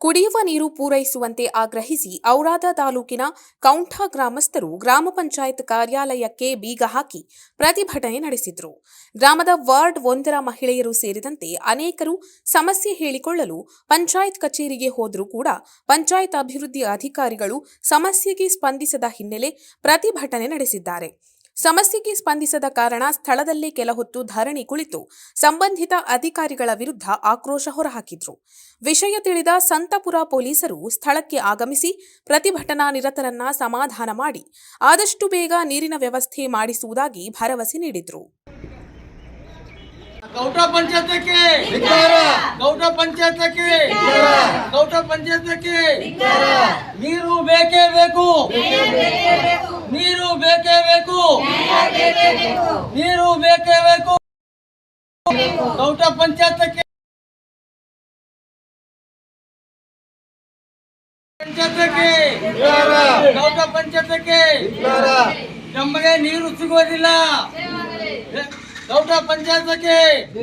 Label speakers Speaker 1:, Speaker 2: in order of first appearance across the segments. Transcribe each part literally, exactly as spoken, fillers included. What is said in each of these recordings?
Speaker 1: ಕುಡಿಯುವ ನೀರು ಪೂರೈಸುವಂತೆ ಆಗ್ರಹಿಸಿ ಔರಾದ ತಾಲೂಕಿನ ಕೌಂಠ ಗ್ರಾಮಸ್ಥರು ಗ್ರಾಮ ಪಂಚಾಯತ್ ಕಾರ್ಯಾಲಯಕ್ಕೆ ಬೀಗ ಹಾಕಿ ಪ್ರತಿಭಟನೆ ನಡೆಸಿದರು. ಗ್ರಾಮದ ವಾರ್ಡ್ ಒಂದರ ಮಹಿಳೆಯರು ಸೇರಿದಂತೆ ಅನೇಕರು ಸಮಸ್ಯೆ ಹೇಳಿಕೊಳ್ಳಲು ಪಂಚಾಯತ್ ಕಚೇರಿಗೆ ಹೋದರೂ ಕೂಡ ಪಂಚಾಯತ್ ಅಭಿವೃದ್ಧಿ ಅಧಿಕಾರಿಗಳು ಸಮಸ್ಯೆಗೆ ಸ್ಪಂದಿಸದ ಹಿನ್ನೆಲೆ ಪ್ರತಿಭಟನೆ ನಡೆಸಿದ್ದಾರೆ. ಸಮಸ್ಯೆಗೆ ಸ್ಪಂದಿಸದ ಕಾರಣ ಸ್ಥಳದಲ್ಲೇ ಕೆಲಹೊತ್ತು ಧರಣಿ ಕುಳಿತು ಸಂಬಂಧಿತ ಅಧಿಕಾರಿಗಳ ವಿರುದ್ಧ ಆಕ್ರೋಶ ಹೊರಹಾಕಿದ್ರು. ವಿಷಯ ತಿಳಿದ ಸಂತಪುರ ಪೊಲೀಸರು ಸ್ಥಳಕ್ಕೆ ಆಗಮಿಸಿ ಪ್ರತಿಭಟನಾ ನಿರತರನ್ನ ಸಮಾಧಾನ ಮಾಡಿ ಆದಷ್ಟು ಬೇಗ ನೀರಿನ ವ್ಯವಸ್ಥೆ ಮಾಡಿಸುವುದಾಗಿ ಭರವಸೆ ನೀಡಿದ್ರು.
Speaker 2: ಗೌಟ ಪಂಚಾಯತಕ್ಕೆ ಗೌಟ ಪಂಚಾಯತಕ್ಕೆ ಗೌಟ ಪಂಚಾಯತಕ್ಕೆ ನೀರು ಬೇಕೇ ಬೇಕು, ನೀರು ಬೇಕೇ ಬೇಕು, ನೀರು ಬೇಕೇ ಬೇಕು. ಗೌಟ ಪಂಚಾಯತಕ್ಕೆ ಪಂಚಾಯತಕ್ಕೆ ಗೌಟ ಪಂಚಾಯತಕ್ಕೆ ನಮಗೆ ನೀರು ಸಿಗೋದಿಲ್ಲ. ಗೌಟ ಪಂಚಾಯತಕ್ಕೆ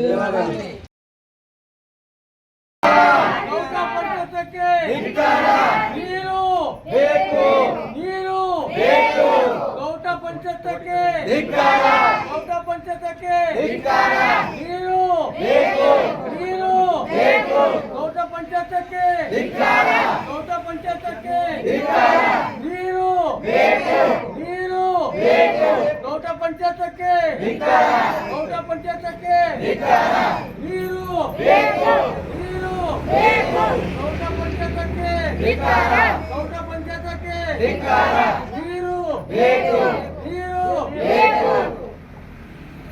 Speaker 2: ಗೌಟ ಪಂಚಾಯತಕ್ಕೆ ನೀರು ಬೇಕು, ನೀರು ಬೇಕು. ಗೌಟ ಪಂಚಾಯತಕ್ಕೆ ಗೌಟ ಪಂಚಾಯತಕ್ಕೆ ನೀರು ಬೇಕು, ನೀರು ಬೇಕು. ಗೌಟ ಪಂಚಾಯತಕ್ಕೆ ಗೌಟ ಪಂಚಾಯತಕ್ಕೆ ನೀರು ಬೇಕು, ನೀರು ಬೇಕು. ಗೌಟ ಪಂಚಾಯತಕ್ಕೆ ಗೌಟ ಪಂಚಾಯತಕ್ಕೆ ನೀರು ಬೇಕು, ನೀರು ಬೇಕು. ಗೌಟ ಪಂಚಾಯತಕ್ಕೆ ಗೌಟ ಪಂಚಾಯತಕ್ಕೆ ನೀರು ಬೇಕು, ನೀರು ಬೇಕು.